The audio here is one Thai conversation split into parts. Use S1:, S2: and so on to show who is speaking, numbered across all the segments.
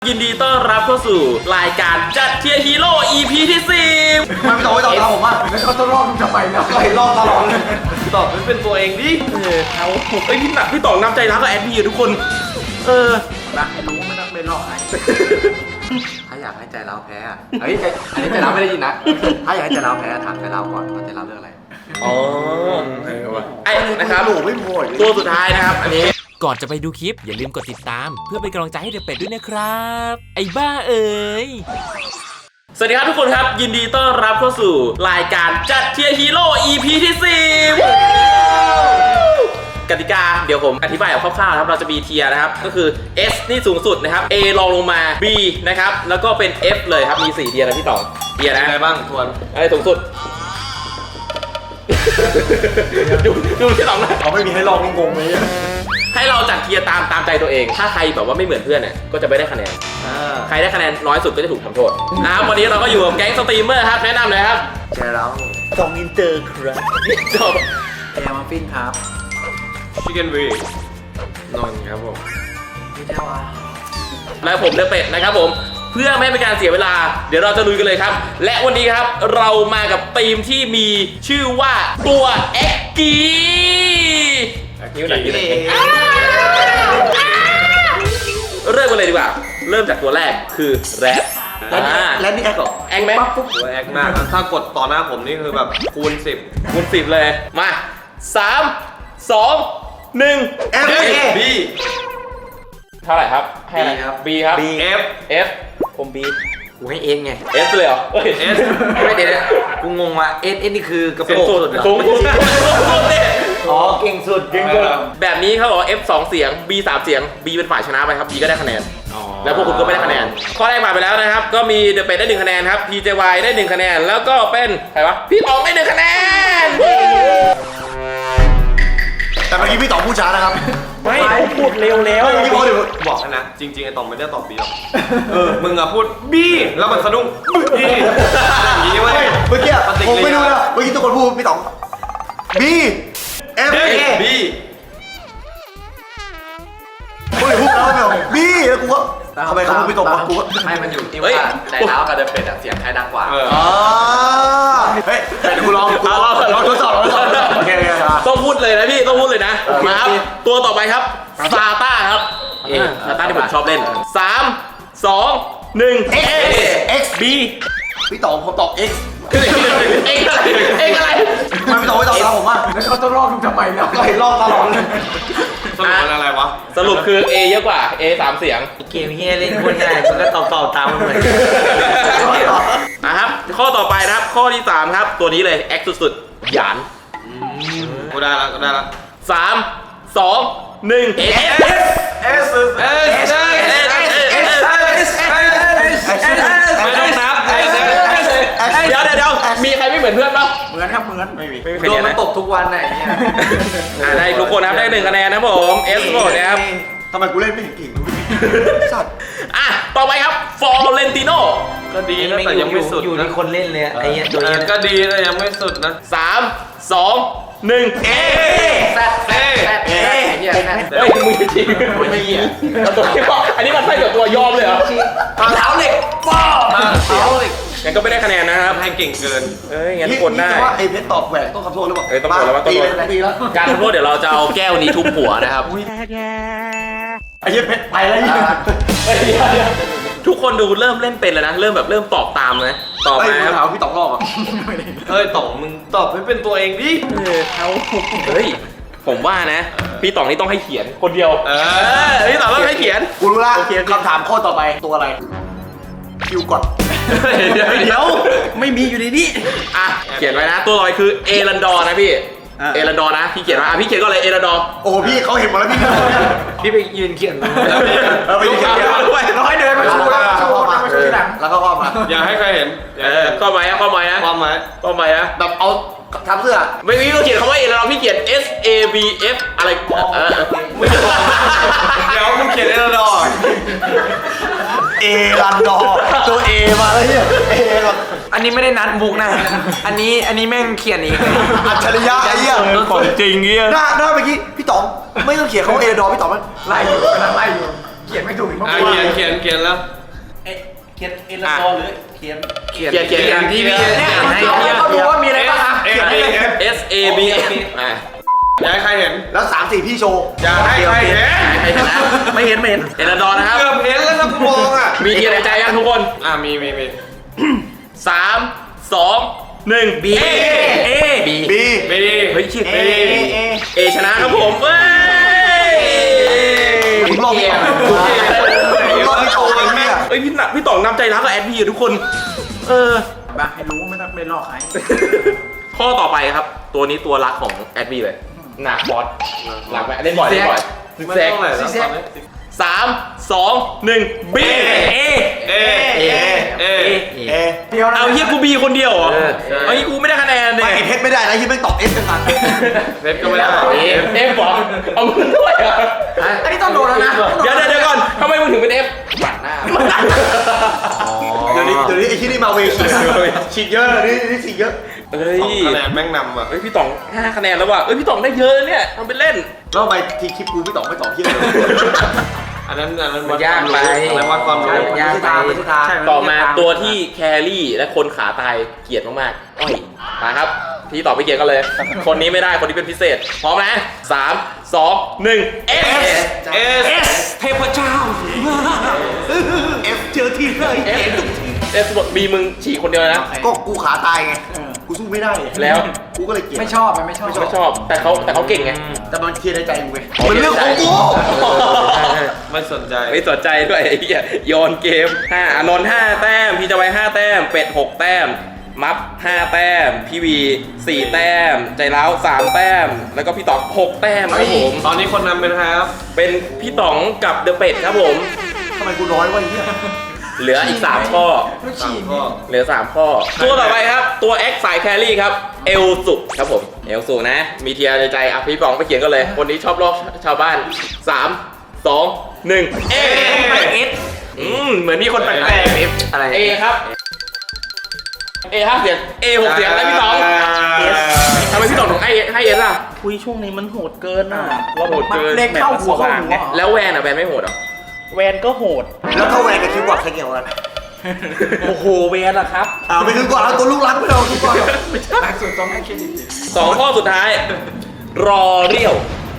S1: ยินดีต้อนรับเข้าสู่รายการจัดเทียร์ฮีโร่ EP ที่ 10
S2: มันไม่ต้องตามผมอ่ะแล้วเขาต้องรอบมึงทำไมนะไล่รอบตลอดเลย
S1: ตอบไม่เป็นตัวเองดิเอาเฮ้ยพี่ต่องนำใจรักกับแอดพีทุกคน
S2: รักให้รู้ไม่ต้องเป็นรอบใครถ้าอยากให้ใจเราแพ้อ่ะเฮ้ยอันนี้ใจเราไม่ได้ยินนะถ้าอยากให้ใจเราแพ้ถามใจเราก่อนว่าใจเราเรื่องอะไร
S1: อ๋อไอ้นะครับ
S2: หนูไม่พอ
S1: ตัวสุดท้ายนะครับอันนี้
S3: ก่อนจะไปดูคลิปอย่าลืมกดติดตามเพื่อเป็นกำลังใจให้เดอะเป็ดด้วยนะครับไอ้บ้าเอ๋ย
S1: สวัสดีครับทุกคนครับยินดีต้อนรับเข้าสู่รายการจัดเทียร์ฮีโร่ EP ที่ 10กติกาเดี๋ยวผมอธิบายแบบคร่าวๆนะครับเราจะมีเทียร์นะครับก็คือ S นี่สูงสุดนะครับ A รองลงมา B นะครับแล้วก็เป็น F เลยครับมี4เทียร์นะพี่ต่อเทียร์นะอะไรบ้างทวนอะไรสูงสุดดูที่ต่อนะ
S2: เขาไม่มีให้ลองงงไหม
S1: ให้เราจัดเทียร์ตามใจตัวเอง ถ้าใครแบบว่าไม่เหมือนเพื่อนเนี่ยก็จะไม่ได้คะแนนใครได้คะแนนน้อยสุดก็จะถูกทำโทษนะครับวันนี้เราก็อยู่กับแก๊งสตรีมเมอร์ครับแนะนำเลยครับ
S2: เจอเรา
S3: สองอินเตอร์ครับ
S1: จบ
S2: แอร์มัฟฟินครับ
S1: ชิคเก้นวีนอนครับผม
S2: พี่เจ้าวะ
S1: และผมเดอะเป็ดนะครับผมเพื่อไม่ให้เป็นการเสียเวลาเดี๋ยวเราจะลุยกันเลยครับและวันนี้ครับเรามากับทีมที่มีชื่อว่าตัวเอ็กกีนิ้วไหนนิ้วไหนเริ่มกันเลยดีกว่าเริ่มจากตัวแรกคือแรด
S2: แล้วนี่แอคเหรอ
S1: แอคไหม
S4: ตัวแอคมากถ้ากดต่อหน้าผมนี่คือแบบคูณ 10
S1: คูณ 10เลยมา3 2 1
S2: F
S4: B
S1: เท่าไหร่ครับให้อะไรครับ B ครับ F ผม B
S2: กูให้เอ็นไง
S1: S เลยเหรอ
S4: S
S2: ไม่เด็ดกูงงว่ะเอ็นนี่คือกระโปรงสุดเหรอ
S1: สูงสุด
S2: อ๋อเก่งสุด
S1: แบบนี้เขาบอก F 2เสียง B 3เสียง B เป็นฝ่ายชนะไปครับ B ก็ได้คะแนนแล้วพวกคุณก็ไม่ได้คะแนนข้อแรกผ่านไปแล้วนะครับก็มีเดอะเป็ดได้1คะแนนครับ PJY ได้1คะแนนแล้วก็เป็นใครวะพี่ต๋องได้1คะแนน
S2: แต่เมื่อกี้พี่ต๋องพูดช้านะครับ
S1: ไม่พูดเร็วแล้ว
S4: พี่บอกนะจริงๆไอ้ต๋องไม่ได้ตอบ B หรอกมึงอะพูด B แล้วมันสะดุ้ง B อย่างนี้เว้ย
S2: เมื่อกี้ผมไม่รู้นะเมื่อกี้ทุกคนพูดพี่ต๋อง B F
S4: B
S2: พูดแล้วไม่หรอ B แล้วกูก็ทำไมเขาพูดพี่ต๋องวะกูก็
S5: ให้มันอยู่ที่ว่าใจเท้ากับเดอะเป็ดเสียงใครดังกว่า
S2: อ๋อเฮ้ยแต่กูลองทดสอบโอเค
S1: ต้องพูดเลยนะพี่ต้องพูดเลยนะมาครับตัวต่อไปครับซาต้าครับซาต้าที่ผมชอบเล่น3 2 1
S2: X B พี่ต๋องผมตอบ X
S1: อะไร
S2: มันไม่ตอบเราผมว่าแล้วเขาต้องรอบมึงทำไมเนี่ยก็เห็นรอบตลอดเลย
S4: สรุปมันอะไรวะ
S1: สรุปคือ A เยอะกว่า A 3เสียง
S5: เกมเฮียเล่นคนง่ายมันก็ตอบตามมันเลย
S1: นะครับข้อต่อไปนะครับข้อที่3ครับตัวนี้เลย X สุดๆหยาน
S4: กูได้ละ
S1: 3 2 1
S4: S ไม่ต้องนับ
S1: เดี๋ยวมีใครไม่เหมือนเพื่อนป่ะ
S2: เหมือนครับเหมือนไม่มี
S5: โดนมันตบทุกวันไหนเนี่ย
S1: ได้ทุกคนครับได้1คะแนนนะผม S หมดนะครับ
S2: ทำไมกูเล่นไม่เก่งสัตว์
S1: ต่อไปครับฟอร์เรนติโน่
S4: ก็ดีนะแต่ยังไม่สุด
S5: อยู่ที่คนเล่นเลยไอ้ตัวนี้
S4: ก็ดีแต่ยังไม่สุดนะ
S1: 3 2 1
S5: แซดเฮียแซด
S1: เฮ้ยมึงจริงไม่เหี้ยตัวที่บอกอันนี้มันใช่กับตัวยอมเลยเหรอ
S5: เท้าเหล็กป้อเท้าเหล็ก
S1: งั้นก็ไม่ได้คะแนนนะครับ
S4: ให้เก่งเกิน
S1: งั้นคนได้
S2: ว่าไอ้เพชรตอบแหวกต้องคำโทษหรือเปล่า
S1: ต้องบอกแล้วว่าต้อง
S2: ตีแล้ว
S1: การทำโทษเดี๋ยวเราจะเอาแก้วนี้ทุบหัวนะครับ
S2: ไอ้เพชรไปแล้ว
S1: ทุกคนดูเริ่มเล่นเป็นแล้วนะเริ่มตอบตามนะตอบมาครับ
S2: พี่ต๋องรอบอ่ะ
S4: ต๋องมึงตอบให้เป็นตัวเองดิ
S1: ผมว่านะพี่ต๋องนี่ต้องให้เขียนคนเดียวพี่ต๋องต้องให้เขียน
S2: กูรู้ละคำถามข้อต่อไปตัวอะไรคิวก่อน
S1: เดี๋ยวไม่มีอยู่ในนี้เขียนไว้นะตัวลอยคือเอรันดอร์นะพี่เอรันดอร์นะพี่เขียนว่าพี่เขียนก็เลยเอรันดอร์
S2: โอ้พี่เขาเห็นหมดแล้ว
S5: พี่ไปยืนเขียน
S2: ไปยืนเขียนด้วยเราให้เดินมาชูแล้วมาชูที่หลังแล้วก็ว่ามา
S4: อย่าให้ใครเห็น
S1: ข้อหมายนะ
S2: แบบเอาทำเสื้อ
S1: ไม่มีต้องเขียนคำว่าเอรันดอร์พี่เขียน S A B F อะไร
S4: เดี๋ยวมึงเขียนเอรันดอร์
S2: เอรันดอร์ตัวเอมาแล้วเนี่ย
S5: อันนี้ไม่ได้นัดบุกนะอันนี้แม่งเขียนเอง
S2: อัจฉริยะไอ้เหี้ย
S1: ของจริงเงี้ย
S2: หน้าเมื่อกี้พี่ต๋องไม่ต้องเขียนเขาเอรันดอร์พี่ต๋องมันไล่อยู่ขียนไม่ถูกอีกมั้ง
S4: เขียนแล้ว
S2: เขียนเอลซอหรือเขียน
S1: เขียนที่พี่
S2: เนี่ยเขาดูว่ามีอะไรบ้างครับ
S4: เอ
S2: เขียนได้เลย
S1: S A B F อ่ะ
S4: อยากให้ใครเห็น
S2: แล้ว3-4พี่โชว์
S4: อยากให้ใครเห็น
S1: ใครเห็นนะ
S2: ไม่เห็น
S1: เอลดอนนะครับ
S4: เกือบเห็นแล้วนะกูมองอ่ะ
S1: มีทีในใจยังทุกคน
S4: มี
S1: 3 2 1 B A B
S4: ไม่ดี
S1: เฮ้ยชื่อ
S2: เอ
S1: ชนะครับผมเว้ย
S2: ผมรอพี่ รอบพี่โชว์เลยเนี่ย
S1: เฮ้ยพี่ต่องนำใจรักกับแอดพีทุกคน
S2: มาให้รู้ไม่ต้องไปหลอกใคร
S1: ข้อต่อไปครับ ตัวนี้ตัวรักของแอดบีเลยหนักบอสหลักไหมเล่นบ่อย
S4: ไม่ต้องไหนแล้วตอนนี้
S1: 3 2 1 B A
S4: เอ
S2: เดียวนะ
S1: เอาเฮียกูบีคนเดียวเหรอเอาเฮียกูไม่ได้คะแนนเลย
S2: ไม่เพชรไม่ได้นะที่ไม่ตอบเอสกัน
S4: เพชรก็ไม่ได้
S1: เอฟบอกเอามึงด้วยเหรอ
S2: อันนี้ต้องโดนแล้วนะ
S1: เดี๋ยวก่อนทำไมมึงถึงเป็นเอฟบัตรหน้า
S2: เดี๋ยวนี้ไอ้ที่นี่มาเวชีฉีดเยอะนี่ฉีดเยอะ
S1: เฮ้ย
S4: คะแนนแม่งนำอ่ะ
S1: เฮ้ยพี่ต่อง5คะแนนแล้วว่ะเฮ้ยพี่ต่องได้เยอะเนี่ยทำเป็นเล่น
S2: แล้วทำไมทีคลิปกูไม่ตอบที่เลย
S4: อันนั้นวัด
S5: มันยากไป
S4: อันนั้นวัดความรู้
S5: ยากไป
S1: ต่อมาตัวที่แครี่และคนขาตายเกลียดมากๆอ้อยมาครับพี่ตอบไปเกลียดกันเลย คนนี้ไม่ได้คนนี้เป็นพิเศษพร้อมนะ3 2 1 S
S4: S
S5: เทพเจ้า
S2: เอฟเจอที่เลย
S1: S บอกบีมึงฉีกคนเดียวนะ
S2: ก็กูขาตายไงกูสู้ไม่ได้
S1: แล้ว
S2: กูก็เลยเกลียด
S5: ไม่ชอบไม่ชอบ
S1: ไม่ชอบแต่เขาเก่งไง
S2: แต่มันเคลียร์ในใจกูไงมันเรื่องของกู
S4: ไม่สนใจ
S1: ไม่สนใจด้วยไอ้เหี้ยโยนเกม5อานนท์5แต้มพี่จะไว้5แต้มเป็ด6แต้มมัฟ5แต้มพี่วี4แต้มใจร้าว3แต้มแล้วก็พี่ต๋อง6แต้มครับผม
S4: ตอนนี้คนนำเป็นใครครับ
S1: เป็นพี่ต๋องกับเดอะเป็ดครับผม
S2: ทำไมกูน้อยวะไอ้เหี้ย
S1: เหลืออีก3ข้อ
S4: สามข้อ
S1: เหลือ3ข้อ ตัวต่อไปครับตัว X สายแครี่ครับเอลสุครับผมเอลสุนะ มีเทียร์ในใจอ่ะพี่ป๋องไปเขียนกันเลย คนนี้ชอบลอกชาวบ้าน 3 2 1เอเหมือนมีคนแปลกๆ
S5: อะไร
S1: เอครับเอ5เสียงเอ6เสียงแล้วพี่ต๋องทำไมพี่ต๋องถึงให้เอสล่ะ
S6: คุยช่วงนี้มันโหดเกินอ่ะ
S1: ว่าโหดเกิน
S6: เด็กเข้าหัวเข้าหัว
S1: แล้วแวนอ่ะแวนไม่โหดเหรอ
S6: แวนก็โหด
S2: แล้วถ้าแหวนกับคิวกว่าใครเกี่ยวกัน
S6: โอ้โหแวนล่ะครับ
S2: ไปคิวกว่าแล้วตัวลูกรักไม่เอาคิวกว่า
S5: หลักสุดต้องให้เครดิต
S1: 2 ข้อสุดท้าย รอเรียว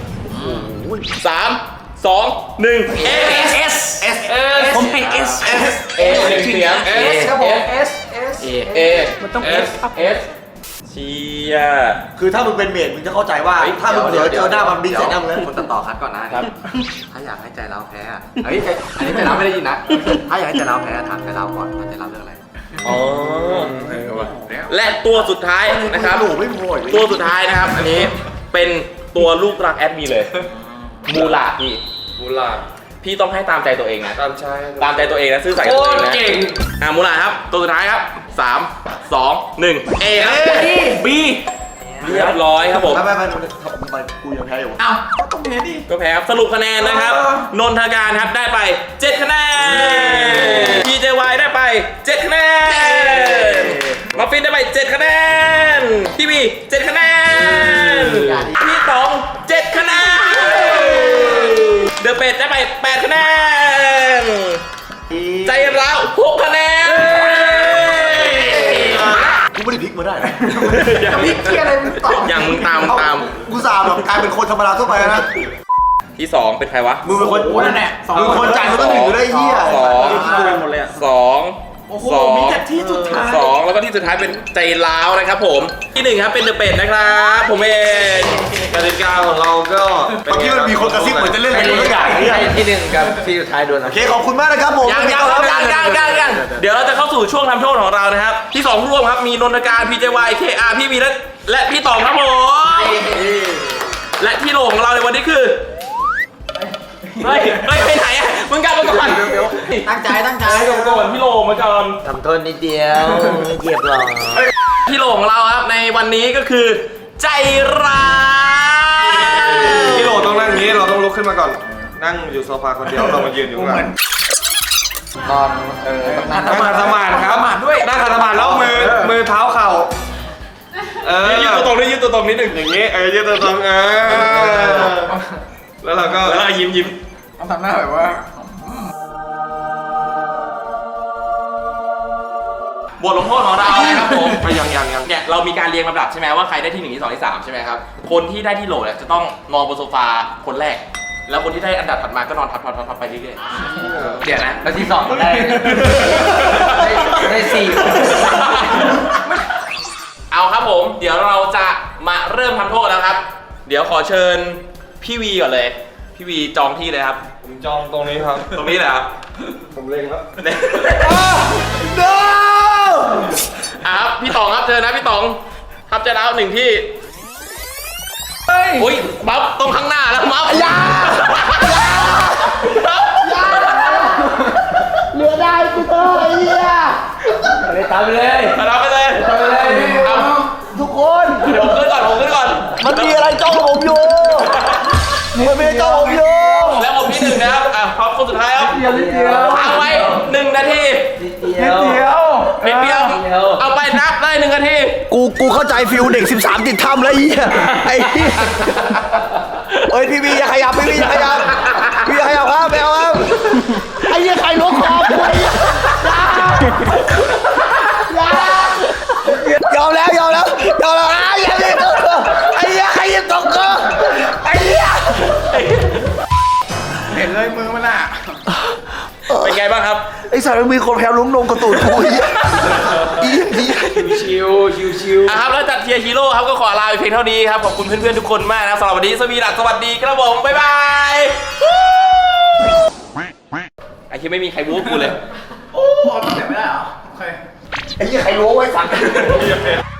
S1: 3 2 1เอ
S5: S
S6: ผมให้ S
S1: เอ1เสียง
S5: S ครับผม S
S1: เอ
S6: มันต้อง S ครับ
S1: เอสเชีย
S2: คือถ้ามึงเป็นเมดมึงจะเข้าใจว่าถ้ามึงเผลอเจอหน้ามันบินใส่หน้ามึงแล้ว
S7: คนตัดต่อคัดก่อนนะครับ ถ้าอยากให้ใจเราแพ้อะเฮ้ยอันนี้ใจเราไม่ได้ยินนะ ถ้าอยากให้ใจเราแพ้ถามใจเราก่อนว่าใจเราเรื่องอะไร
S1: อ๋อและตัวสุดท้ายนะครับ
S2: หนูไม่พออีก
S1: ตัวสุดท้ายนะครับ อันนี้เป็นตัวลูกรักแอดมีเลย มูลาพี่
S4: บุลา
S1: พี่ต้องให้ตามใจตัวเองนะ
S4: ตามชาย
S1: ตามใจตัวเองนะซื่อสัตย์กับ
S4: โค
S1: ตัวเอง
S4: ตร
S1: นะ
S4: เก่ง
S1: มูลาครับ ตัวสุดท้ายครับ 3 2 1เอครับ
S6: B
S1: เรียบร้อยครับผม
S2: ไปกูยังแพ้อยู่
S5: เอ้าก็ต้องเห็นดิ
S1: ก็แพ้ครับสรุปคะแนนนะครับ นนทการครับได้ไป 7 คะแนน PJY ได้ไป 7 คะแนนมาฟินได้ไป 7 คะแนนพี่บี7 คะแนนพี่ต๋อง 7 คะแนนเดอะเป็ดได้ไป 8 คะแนน ใจร้าว6 คะแนน
S2: กูไม่ได้พลิกมาได้นะ
S5: จะพลิกเทียอะไรมึงตอบ
S1: อย่างมึงตาม
S2: กูสาแบบกลายเป็นคนธรรมดาทั่วไปนะ
S1: ที่ 2 เป็นใครวะ
S2: มึงเป็นคน
S5: โอ้นั่นแหละ
S2: มึงคนจ่ายมึงต้องถึงอยู่ได้เหี้ย
S1: สอง
S6: ดูหมดเลยอ่ะ
S1: 2
S6: โอ้โหมีแต่ที่สุดท้าย
S1: 2แล้วก็ที่สุดท้ายเป็นใจร้าวนะครับผม ที่1ครับเป็นเดอะเป็ดนะครับผมเอง
S4: กติกาของเราก็
S2: เมื่อกี้มันมีคนกระซิบเหมือนจะเล่นอะไรทุกอย่างเนี่ย
S5: ที่1กับที่สุดท้ายโดน
S2: โอเคขอบคุณมากนะครับผม
S1: ยังเดี๋ยวเราจะเข้าสู่ช่วงทำโทษของเรานะครับ ที่2ร่วมครับมีนนทการ PJY KR พี่วีและพี่ต๋องครับผมและที่โหลของเราในวันนี้คือเฮ้ยไปไหนอ่ะมึงกลับมาก่อน
S5: ตั้งใจ
S1: ก่อนพี่โหลมาก่อน
S5: ทำโทษนิดเดียวเหยียบหรอ
S1: ที่โหลของเราครับในวันนี้ก็คือ ใจร้าย
S4: พี่โหลต้องนั่งอย่างนี้เราต้องลุกขึ้นมาก่อน นั่งอยู่โซฟาคนเดียวเรามายืนอยู่ข้างหลัง
S5: ตอนต้องนั่ง
S4: นั่งขัดสมาธิครับนั่งขัดสมาธิแล้วมือเท้าเข่า
S1: ยืนตัวตรงนิดนึง
S4: อย่างนี้ยืดตัวตรงแล้วเราก็
S1: แล้วยิ้ม
S5: ต้องทำหน้าแบบว่า
S1: บทลงโทษของเรานะครับผม
S4: ไปยัง
S1: เนี่ยเรามีการเรียงลำดับใช่ไหมว่าใครได้ที่1ที่2ที่3ใช่ไหมครับคนที่ได้ที่โหลเนี่ยจะต้องนอนบนโซฟาคนแรก แล้วคนที่ได้อันดับถัดมาก็นอนทับไปเรื่อย
S5: เดี๋ยวนะแล้วที่สองได้สี่
S1: ๆเอาครับผมเดี๋ยวเราจะมาเริ่มทำโทษแล้วครับ เดี๋ยวขอเชิญพี่วีก่อนเลยพี่วีจองที่เลยครับ
S4: ผมจองตรงนี้ครับ
S1: ตรงนี้เลยครับ
S4: ผมเล็งแล้ว
S1: ครับพี่ต๋องครับเชิญนะพี่ต๋องครับจะแล้ว1ที่อุ้ยบัฟตรงข้างหน้าแล้วบัฟยา
S2: เหลือได้กูเถอะไอ้เหี้ย
S5: เลยตามไปเลย
S1: รับไปเลยเอา
S2: ทุกคน
S1: เดี๋ยวผมขึ้นก่อน
S2: มันมีอะไรจ้องผมอยู่มันมีจ้องผมอยู่
S1: แล้วผมที่1นะครับพร้อมคนสุดท้ายครับเอาไว้1 นาที
S5: นิดเดียว
S1: นิดเดียวเอาไปนับได้1 นาที
S2: กูเข้าใจฟิลเด็ก 13 ติดถ้ำแล้วไอ้เหี้ยไอ้เหี้ยเฮ้ยพี่วีอย่าขยับพี่วีอย่าขยับพี่อย่าขยับครับไม่เอาครับไอ้เหี้ยใครล้วงคอกูไอ้เหี้ยยอมแล้วอ่ะอย่าเล่นตัวไอ้เหี้ยใครยิงตกกูไอ้เหี้ย
S5: เห็นเลยมือมันอ่ะ
S1: เป็นไงบ้างครับ
S2: ไอ้สัตว์มันมีคนแพ้ลุ้มนมกระตูดกูไอ้เหี้ยไอ้เหี้ย
S5: ชิว
S1: ครับแล้วจัดเทียร์ฮีโร่ครับก็ขอลาไปเพียงเท่านี้ครับขอบคุณเพื่อนๆทุกคนมากนะครับสำหรับวันนี้สวีดักสวัสดีครับผมบ๊ายบายไอ้ที่ไม่มีใครบู๊กูเลย
S2: ไอ้เหี้ยใครล้วงไว้สัตว์